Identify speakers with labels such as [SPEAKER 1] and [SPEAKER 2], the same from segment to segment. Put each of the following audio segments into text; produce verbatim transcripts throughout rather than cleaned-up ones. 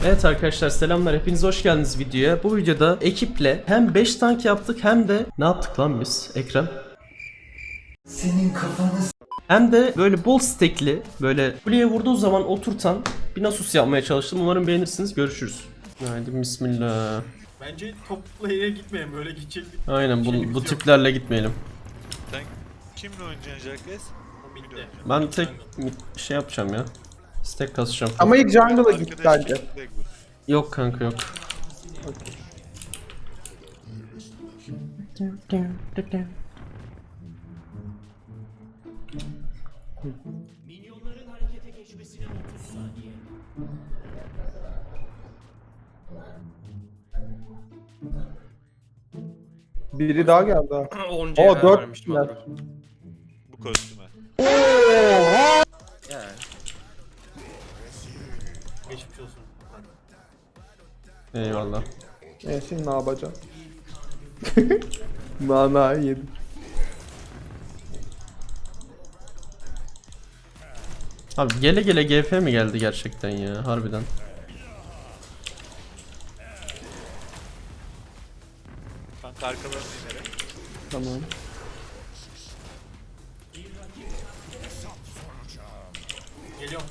[SPEAKER 1] Evet arkadaşlar selamlar, hepiniz hoş geldiniz videoya. Bu videoda ekiple hem beş tank yaptık hem de ne yaptık lan biz Ekrem?
[SPEAKER 2] Senin kafanı
[SPEAKER 1] Hem de böyle bol stekli, böyle kuleye vurduğu zaman oturtan bir Nasus yapmaya çalıştım. Umarım beğenirsiniz. Görüşürüz. Haydi bismillah.
[SPEAKER 3] Bence topla yere gitmeyelim, böyle gidecektik.
[SPEAKER 1] Aynen bu,
[SPEAKER 3] Şeyimiz
[SPEAKER 1] bu
[SPEAKER 3] yok.
[SPEAKER 1] tiplerle gitmeyelim.
[SPEAKER 4] Sen kimle oynayacaksın Jacques?
[SPEAKER 3] O bitti.
[SPEAKER 1] Ben tek şey yapacağım ya. Stek kasacağım.
[SPEAKER 5] Ama ilk jungle'a git bence.
[SPEAKER 1] Yok kanka yok.
[SPEAKER 5] Biri daha geldi ha.
[SPEAKER 3] on
[SPEAKER 5] Oo dört kişiler.
[SPEAKER 4] Bu kostüme.
[SPEAKER 3] Geçmiş olsun.
[SPEAKER 1] Eyvallah.
[SPEAKER 5] E şimdi ne yapacağım? Nana yedim.
[SPEAKER 1] Abi gele gele G F mi geldi gerçekten ya harbiden.
[SPEAKER 4] Kanka arkalarına inerek.
[SPEAKER 5] Tamam.
[SPEAKER 3] Geliyorum.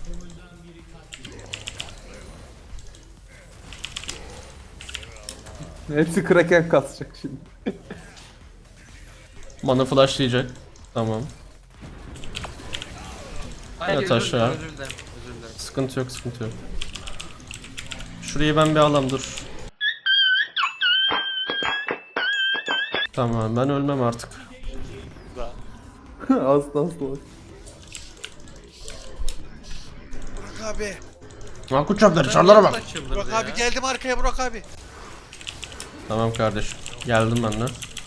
[SPEAKER 5] Hepsi kraken kasacak şimdi.
[SPEAKER 1] Mana flashlayacak. Tamam. Yat aşağı. Sıkıntı yok, sıkıntı yok. Şurayı ben bir alam dur. Tamam, ben ölmem artık.
[SPEAKER 4] Da.
[SPEAKER 5] asla asla.
[SPEAKER 4] Burak abi.
[SPEAKER 1] Akut çöpleri, çarlara bak.
[SPEAKER 4] Burak abi geldim arkaya Burak abi.
[SPEAKER 1] Tamam kardeşim, geldim ben de.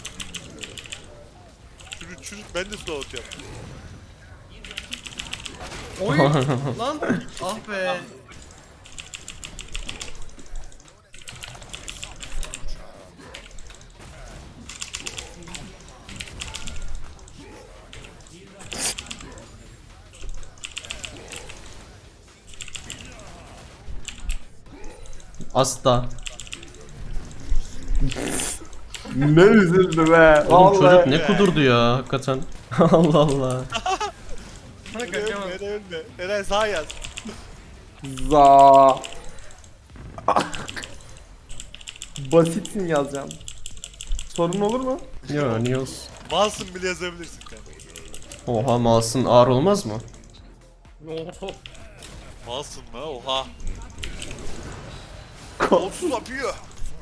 [SPEAKER 4] Çürüt çürüt ben de slow yap.
[SPEAKER 3] Oy! Lan! Ah be!
[SPEAKER 1] Asla.
[SPEAKER 5] Ne üzüldü be.
[SPEAKER 1] Oğlum çocuk
[SPEAKER 5] Vallahi.
[SPEAKER 1] ne kudurdu ya hakikaten. Allah Allah.
[SPEAKER 3] Bana
[SPEAKER 4] Ölme
[SPEAKER 3] kaçamam.
[SPEAKER 4] ölme ölme. Eren sağ yaz.
[SPEAKER 5] Za. Basitsin yazacağım. Sorun olur mu?
[SPEAKER 1] Ya niye olsun?
[SPEAKER 4] Malsın bile yazabilirsin kanka.
[SPEAKER 1] Oha mouse'un ağır olmaz mı?
[SPEAKER 4] Malsın mı? Oha. Kolsuz yapıyor.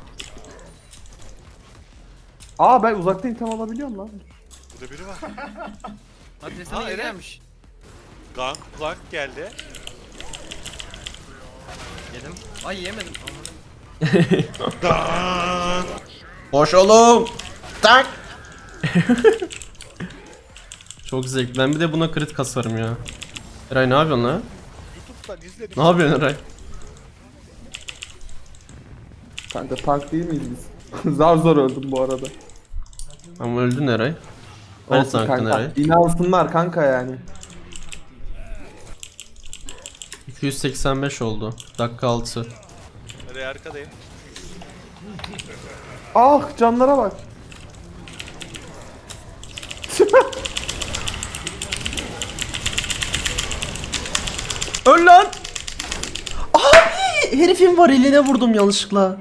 [SPEAKER 5] Aa ben uzaktan item alabiliyorum lan.
[SPEAKER 4] Burada biri var.
[SPEAKER 3] Adresine
[SPEAKER 4] Ha,
[SPEAKER 3] iyi
[SPEAKER 4] Eren.
[SPEAKER 3] gelmiş.
[SPEAKER 4] Gank gank geldi.
[SPEAKER 3] Yedim. Ay yemedim.
[SPEAKER 1] Hoş oğlum. Tak. Çok zevkli. Ben bir de buna crit kasarım ya. Eray ne yapıyorsun lan?
[SPEAKER 4] YouTube'dan izledim.
[SPEAKER 1] Ne yapıyorsun Eray?
[SPEAKER 5] Kanka tank değil miyiz biz? zar zor öldüm bu arada.
[SPEAKER 1] Ama öldün Eray. Hani
[SPEAKER 5] Olsun
[SPEAKER 1] tankın
[SPEAKER 5] kanka.
[SPEAKER 1] Eray?
[SPEAKER 5] İnansınlar kanka yani.
[SPEAKER 1] iki yüz seksen beş oldu. Dakika altı.
[SPEAKER 4] Eren arkadayım.
[SPEAKER 5] Ah canlara bak.
[SPEAKER 1] Öl lan! Abi! Herifin var eline vurdum yanlışlıkla.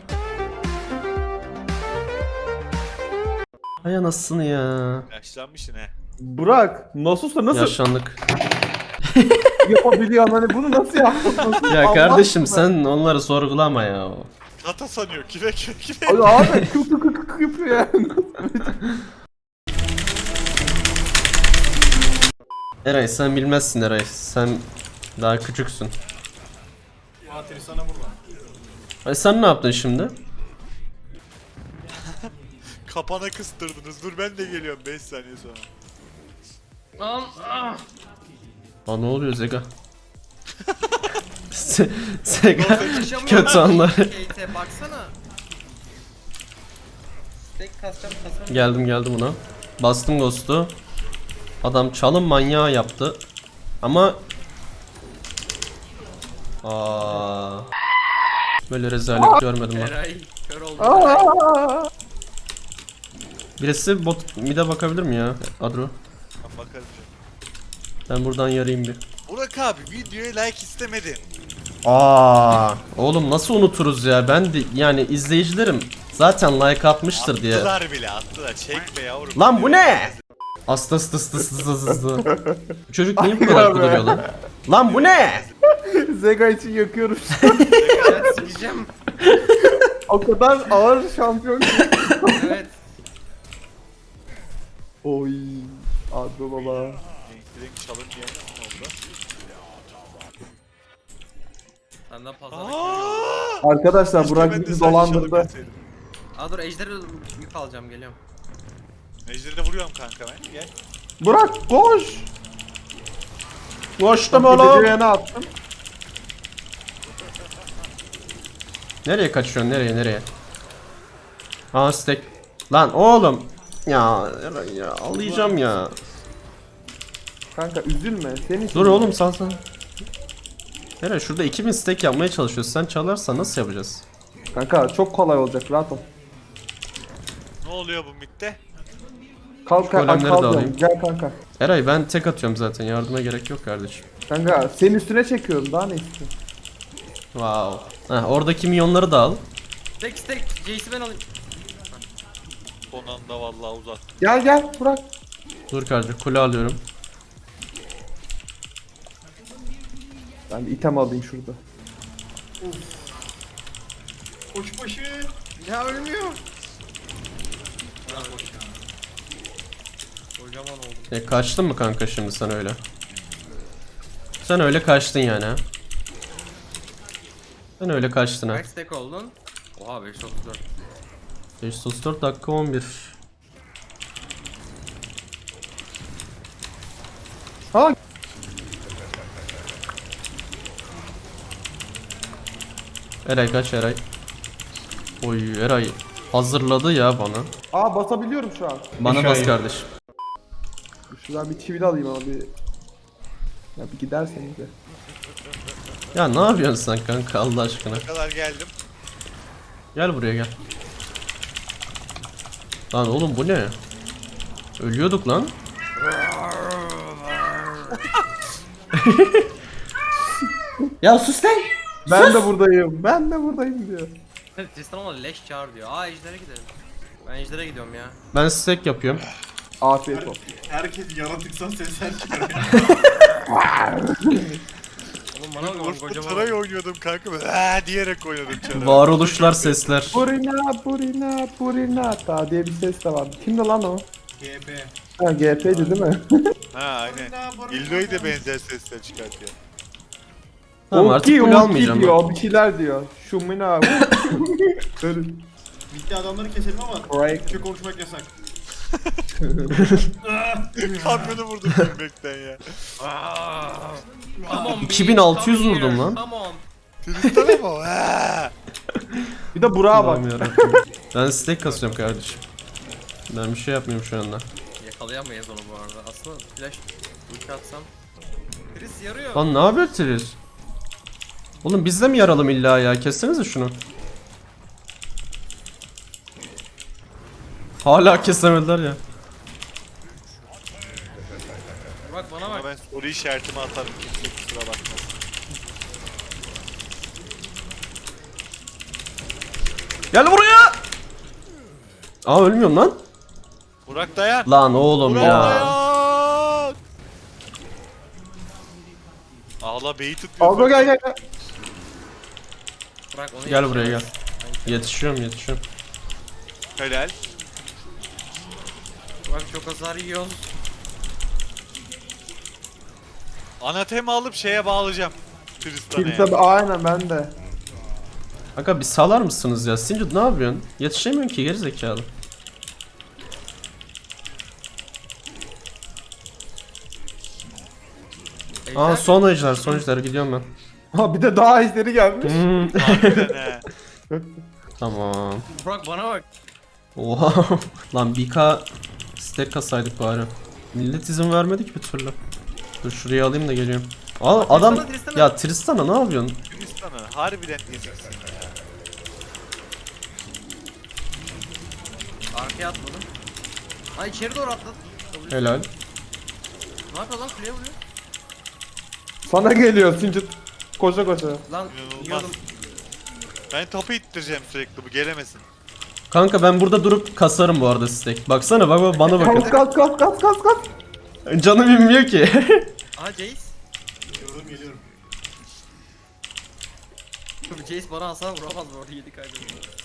[SPEAKER 1] Ay anasını ya.
[SPEAKER 4] Yaşlanmışsın he.
[SPEAKER 5] Burak Nasus'la nasıl
[SPEAKER 1] Yaşlandık.
[SPEAKER 5] yapabiliyorsun hani bunu nasıl yaptın? Nasıl?
[SPEAKER 1] Ya
[SPEAKER 5] Allah
[SPEAKER 1] kardeşim
[SPEAKER 5] aşkına.
[SPEAKER 1] sen onları sorgulama ya.
[SPEAKER 4] Kata sanıyor. Kire kire kire.
[SPEAKER 5] Ay abi kık kık kık kık yapıyor yani.
[SPEAKER 1] Eray sen bilmezsin Eray. Sen daha küçüksün.
[SPEAKER 3] Fatih sana vurma.
[SPEAKER 1] Ay sen ne yaptın şimdi?
[SPEAKER 4] Kapana kıstırdınız. Dur ben de geliyorum beş saniye sonra.
[SPEAKER 3] Lan! Ah!
[SPEAKER 1] Aa ne oluyor Zega? Se Sega
[SPEAKER 3] Yaşamıyorum.
[SPEAKER 1] kötü anlar.
[SPEAKER 3] Kate'e baksana. Tek kasacağım kasarım.
[SPEAKER 1] Geldim geldim buna. Bastım Ghost'u. Adam çalım manyağı yaptı. Ama Aa. Böyle rezalet görmedim ben.
[SPEAKER 3] Eray kör oldu.
[SPEAKER 5] Aa!
[SPEAKER 1] Birisi bot mid'e bakabilir mi ya Adro?
[SPEAKER 4] Ben bakarım.
[SPEAKER 1] Ben buradan yarayayım bir.
[SPEAKER 4] Burak abi videoya like istemedin.
[SPEAKER 1] Aa, oğlum nasıl unuturuz ya? Ben de yani izleyicilerim zaten like atmıştır diye.
[SPEAKER 4] Attılar bile attılar. Çekme yavrum.
[SPEAKER 1] Lan bu ne? Asta asta asta asta asta asta. Bu çocuk niye bu kadar duruyor lan? Lan bu ne?
[SPEAKER 5] Zega için yakıyorum.
[SPEAKER 3] Evet sikeceğim.
[SPEAKER 5] O kadar ağır şampiyon ki.
[SPEAKER 3] Evet.
[SPEAKER 5] Oy. Adro baba.
[SPEAKER 4] Renk çalın diye ne oldu?
[SPEAKER 3] Senden fazla.
[SPEAKER 4] Aa!
[SPEAKER 5] Arkadaşlar
[SPEAKER 4] Keşke
[SPEAKER 5] Burak
[SPEAKER 4] ben de
[SPEAKER 5] bizi
[SPEAKER 4] sadece
[SPEAKER 5] dolandırdı.
[SPEAKER 4] çalabilseydim.
[SPEAKER 3] Aa dur ejderi yük alacağım geliyorum.
[SPEAKER 4] Ejderine vuruyorum kanka ben. Gel.
[SPEAKER 5] Burak koş.
[SPEAKER 1] Koştum
[SPEAKER 5] Gideceği
[SPEAKER 1] oğlum.
[SPEAKER 5] yana attım.
[SPEAKER 1] Nereye kaçıyorsun? Nereye nereye? Aa stack. Lan oğlum. Ya ya ağlayacağım ya.
[SPEAKER 5] Kanka üzülme. Senin için.
[SPEAKER 1] Dur oğlum sal sal. Nereye? Şurada iki bin stack yapmaya çalışıyoruz. Sen çalarsan nasıl yapacağız?
[SPEAKER 5] Kanka çok kolay olacak rahat ol.
[SPEAKER 4] Ne oluyor bu mitte?
[SPEAKER 5] Kalk
[SPEAKER 1] golemleri
[SPEAKER 5] kalk
[SPEAKER 1] de
[SPEAKER 5] kalk.
[SPEAKER 1] alayım.
[SPEAKER 5] Gel kanka.
[SPEAKER 1] Eray ben tek atıyorum zaten. Yardıma gerek yok kardeşim.
[SPEAKER 5] Kanka senin üstüne çekiyorum daha ne istiyorsun?
[SPEAKER 1] Wow. Heh, oradaki milyonları da al.
[SPEAKER 3] Tek tek Jace'i ben alayım.
[SPEAKER 4] Son anda vallahi uzat.
[SPEAKER 5] Gel gel Burak.
[SPEAKER 1] Dur kardeşim kule alıyorum.
[SPEAKER 5] Ben bir item alayım şurada.
[SPEAKER 3] Koçbaşı. Ya ölmüyor. Kocaman oldum.
[SPEAKER 1] E kaçtın mı kanka şimdi sen öyle? Sen öyle kaçtın yani ha? Sen öyle kaçtın ha.
[SPEAKER 3] Kaç stack oldun? Oha beş otuz dört.
[SPEAKER 1] beş yüz otuz dört dakika on bir.
[SPEAKER 5] Ha
[SPEAKER 1] Eray kaç Eray? Oy Eray hazırladı ya bana.
[SPEAKER 5] aa basabiliyorum şu an.
[SPEAKER 1] Bana bas kardeş.
[SPEAKER 5] Şuradan bir çivi de alayım ama bir. Ya bir giderseniz de.
[SPEAKER 1] Ya ne yapıyorsun sen kanka Allah aşkına?
[SPEAKER 4] Ne kadar geldim.
[SPEAKER 1] Gel buraya gel. Lan oğlum bu ne? Ölüyorduk lan. Ya sus lan.
[SPEAKER 5] Ben de buradayım. Ben de buradayım diyor.
[SPEAKER 3] Tristan ama leş çağır diyor. Aa ejdere gidelim. Ben ejdere gidiyorum ya.
[SPEAKER 1] Ben stack yapıyorum.
[SPEAKER 5] Afiyet olsun.
[SPEAKER 3] Herkes yaratıksan sesler çıkıyor. Oğlum bana bak
[SPEAKER 4] Orada
[SPEAKER 3] kocaman.
[SPEAKER 4] Taray oynuyordum kanka. Böyle "Aa" diyerek oynadım çara.
[SPEAKER 1] Varoluşlar sesler.
[SPEAKER 5] Burina burina burina ta diye bir ses de vardı. Kimdi lan o?
[SPEAKER 3] G P.
[SPEAKER 5] Ha G P'ydi değil mi?
[SPEAKER 4] Ha aynen. İldo'yu da benzer sesler çıkartıyor.
[SPEAKER 1] Tamam artık
[SPEAKER 5] Uki,
[SPEAKER 1] kule
[SPEAKER 5] uki
[SPEAKER 1] almayacağım.
[SPEAKER 5] diyor,
[SPEAKER 1] ben.
[SPEAKER 5] bir şeyler diyor. Şumina. Böyle
[SPEAKER 3] Bitti adamları keselim ama
[SPEAKER 5] break.
[SPEAKER 3] Türkçe konuşmak yasak.
[SPEAKER 4] Kamyonu vurdum gülmekten ya.
[SPEAKER 3] Come on,
[SPEAKER 1] iki bin altı yüz
[SPEAKER 3] come
[SPEAKER 1] vurdum
[SPEAKER 3] here,
[SPEAKER 1] lan.
[SPEAKER 3] Come on.
[SPEAKER 4] Tristan ama ha.
[SPEAKER 5] Bir de Burak'a bak.
[SPEAKER 1] Allah'ım yarabbim. Ben stack kasıyorum kardeşim. Ben bir şey yapmıyorum şu anda.
[SPEAKER 3] Yakalayamayız onu bu arada. Aslında flash ulti atsam. Chris yarıyor.
[SPEAKER 1] Lan ne haber Tris? Oğlum biz de mi yaralım illa ya? Kessenize şunu. Hala kesemediler ya.
[SPEAKER 3] Bak bana
[SPEAKER 4] Ama
[SPEAKER 3] bak.
[SPEAKER 4] ben soru işaretimi atarım. Kimse kusura bakmasın.
[SPEAKER 1] Gel buraya. Aa ölmüyorum lan.
[SPEAKER 4] Burak dayan.
[SPEAKER 1] Lan oğlum
[SPEAKER 4] Burak
[SPEAKER 1] ya.
[SPEAKER 4] dayan. Ağla beyi tutuyor.
[SPEAKER 5] Aldo gel gel gel.
[SPEAKER 3] Bırak onu
[SPEAKER 1] Gel buraya gel.
[SPEAKER 3] yetişemez.
[SPEAKER 1] Yetişiyorum yetişiyorum.
[SPEAKER 4] Helal.
[SPEAKER 3] Bak çok hasar yiyor.
[SPEAKER 4] Anatema alıp şeye bağlayacağım. Tristan'a.
[SPEAKER 5] Kimse aynen ben de.
[SPEAKER 1] Kanka bir salar mısınız ya? Sinci ne yapıyorsun? Yetişemiyorum ki gerizekalı. Aa
[SPEAKER 3] Ejder.
[SPEAKER 1] son ejder son ejder gidiyorum ben.
[SPEAKER 5] Ha bir de daha ejderi gelmiş.
[SPEAKER 1] Hmm.
[SPEAKER 4] Harbiden he.
[SPEAKER 1] Tamam.
[SPEAKER 3] Bırak bana bak.
[SPEAKER 1] Oha. Lan bir K stack kasaydık bari. Millet izin vermedi ki bir türlü. Dur şuraya alayım da geliyorum. Al adam
[SPEAKER 3] Tristan'a, Tristan'a.
[SPEAKER 1] ya Tristan'a ne yapıyorsun?
[SPEAKER 4] Tristan'a harbiden eziksin ya.
[SPEAKER 3] Arkaya atmadım. Lan içeri doğru atladı.
[SPEAKER 1] Helal.
[SPEAKER 3] Ne yapıyor lan, kuleye vuruyor.
[SPEAKER 5] Sana geliyor Sincit. Koşa koşa.
[SPEAKER 3] Lan
[SPEAKER 4] İnanılmaz.
[SPEAKER 3] yiyordum.
[SPEAKER 4] Ben topu ittireceğim sürekli, bu gelemesin.
[SPEAKER 1] Kanka ben burada durup kasarım bu arada stack. Baksana bak bak bana bakın.
[SPEAKER 5] Kas kas kas kas kas kas.
[SPEAKER 1] Canım inmiyor ki.
[SPEAKER 3] Aha Jace.
[SPEAKER 2] Geliyorum geliyorum.
[SPEAKER 3] Jace bana hasar vuramaz bu arada, yedi kaybediyor.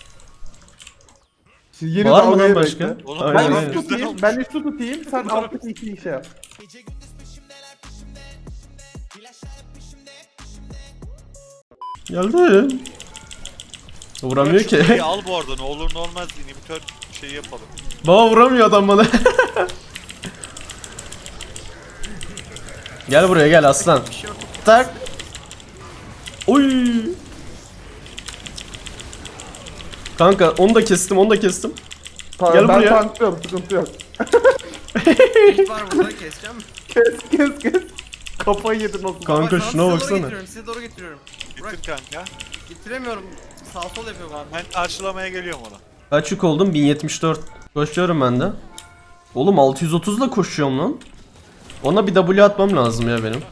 [SPEAKER 5] Siz yeni
[SPEAKER 1] Var mı
[SPEAKER 5] dalgayı
[SPEAKER 1] lan başka?
[SPEAKER 5] bekle.
[SPEAKER 4] Oğlum,
[SPEAKER 1] Aynen,
[SPEAKER 5] Ben
[SPEAKER 4] Aynen,
[SPEAKER 1] aynen.
[SPEAKER 5] üst tutayım, ben üst tutayım, sen alttaki iki işe yap.
[SPEAKER 1] Geldi. Vuramıyor ki.
[SPEAKER 4] Şurayı al bu arada, ne olur ne olmaz inhibitör şey yapalım.
[SPEAKER 1] Baba vuramıyor adam bana. Gel buraya gel aslan. Tak. Oy. Kanka onu da kestim, onu da kestim.
[SPEAKER 5] Tamam,
[SPEAKER 1] Gel
[SPEAKER 5] ben
[SPEAKER 1] buraya.
[SPEAKER 5] tanklıyorum, sıkıntı yok.
[SPEAKER 3] Jace var burada, keseceğim.
[SPEAKER 5] Kes kes kes. Kafayı yedin o zaman.
[SPEAKER 1] Kanka
[SPEAKER 3] Bak, sana
[SPEAKER 1] şuna
[SPEAKER 3] size doğru
[SPEAKER 1] baksana.
[SPEAKER 3] getiriyorum, size doğru getiriyorum. Burak
[SPEAKER 4] Bitir kanka.
[SPEAKER 3] getiremiyorum. Sağ sol yapıyor bana.
[SPEAKER 4] Ben karşılamaya geliyorum onu.
[SPEAKER 1] Kaç yük oldum? bin yetmiş dört. Koşuyorum ben de. Oğlum altı yüz otuz ile koşuyorum lan. Ona bir W atmam lazım ya benim.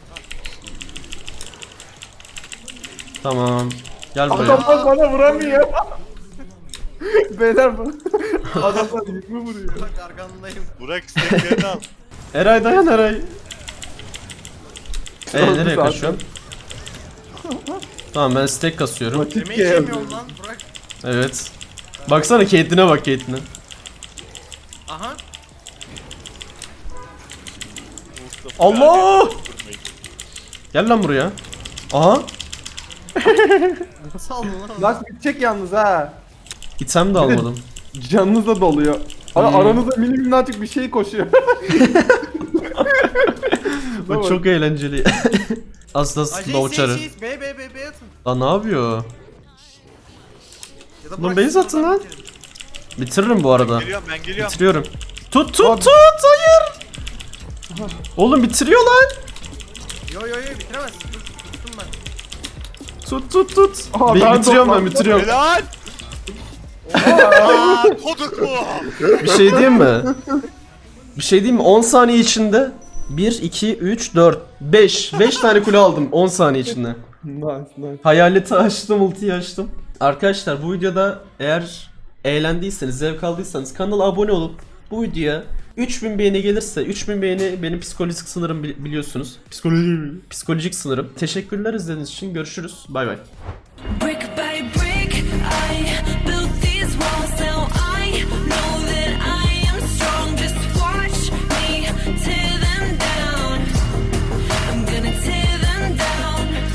[SPEAKER 1] Tamam. Gel buraya.
[SPEAKER 5] Adamlar bana vuramıyor. Beyler bu. Adamlar yükümü vuruyor.
[SPEAKER 3] Bak arkandayım.
[SPEAKER 4] Burak isteklerini al.
[SPEAKER 1] Eray dayan Eray. Eee
[SPEAKER 5] Oldu
[SPEAKER 1] nereye
[SPEAKER 5] zaten.
[SPEAKER 1] kaçıyorsun? Tamam ben stack kasıyorum.
[SPEAKER 5] Vakit
[SPEAKER 3] Yemeği
[SPEAKER 5] geldi.
[SPEAKER 3] yemiyorum lan Burak.
[SPEAKER 1] Evet. Baksana Caitlyn'e bak Caitlyn'e.
[SPEAKER 3] Aha.
[SPEAKER 4] Mustafa
[SPEAKER 1] Allah!
[SPEAKER 4] yani, durmayın.
[SPEAKER 1] Gel lan buraya. Aha.
[SPEAKER 3] Nasıl aldın lan?
[SPEAKER 5] Last bitecek yalnız ha.
[SPEAKER 1] İtem de almadım.
[SPEAKER 5] Canınız da doluyor. Ara,
[SPEAKER 1] Hmm.
[SPEAKER 5] aranızda mini minnacık bir şey koşuyor.
[SPEAKER 1] Bak çok eğlenceli. Asla
[SPEAKER 3] Ay Jace
[SPEAKER 1] slow
[SPEAKER 3] Jace
[SPEAKER 1] çarı.
[SPEAKER 3] Jace B B B B atın.
[SPEAKER 1] Lan ne yapıyor?
[SPEAKER 3] Ya da
[SPEAKER 1] Lan
[SPEAKER 3] Burak,
[SPEAKER 1] base
[SPEAKER 3] siz
[SPEAKER 1] atın
[SPEAKER 3] oradan
[SPEAKER 1] lan.
[SPEAKER 3] bitirin.
[SPEAKER 1] Bitiririm bu arada.
[SPEAKER 4] Geliyorum ben geliyorum.
[SPEAKER 1] Bitiriyorum. Tut tut
[SPEAKER 5] Abi.
[SPEAKER 1] tut hayır. Oğlum bitiriyor lan.
[SPEAKER 3] Yo yo yo bitiremezsin. Dur, tuttum ben.
[SPEAKER 1] Tut tut tut.
[SPEAKER 5] Aha,
[SPEAKER 1] Ben
[SPEAKER 5] ben
[SPEAKER 1] bitiriyorum ben
[SPEAKER 5] toplandım.
[SPEAKER 1] bitiriyorum.
[SPEAKER 4] Helal! Aa, koduk mu?
[SPEAKER 1] Bir şey diyeyim mi? Bir şey diyeyim mi? on saniye içinde bir, iki, üç, dört, beş. beş tane kule aldım on saniye içinde.
[SPEAKER 5] Nice nice.
[SPEAKER 1] Hayaleti açtım, ultiyi açtım. Arkadaşlar bu videoda eğer eğlendiyseniz, zevk aldıysanız kanala abone olup bu videoya üç bin beğeni gelirse, üç bin beğeni benim psikolojik sınırım bili- biliyorsunuz. Psikolojik, psikolojik sınırım. Teşekkürler izlediğiniz için. Görüşürüz. Bay bay.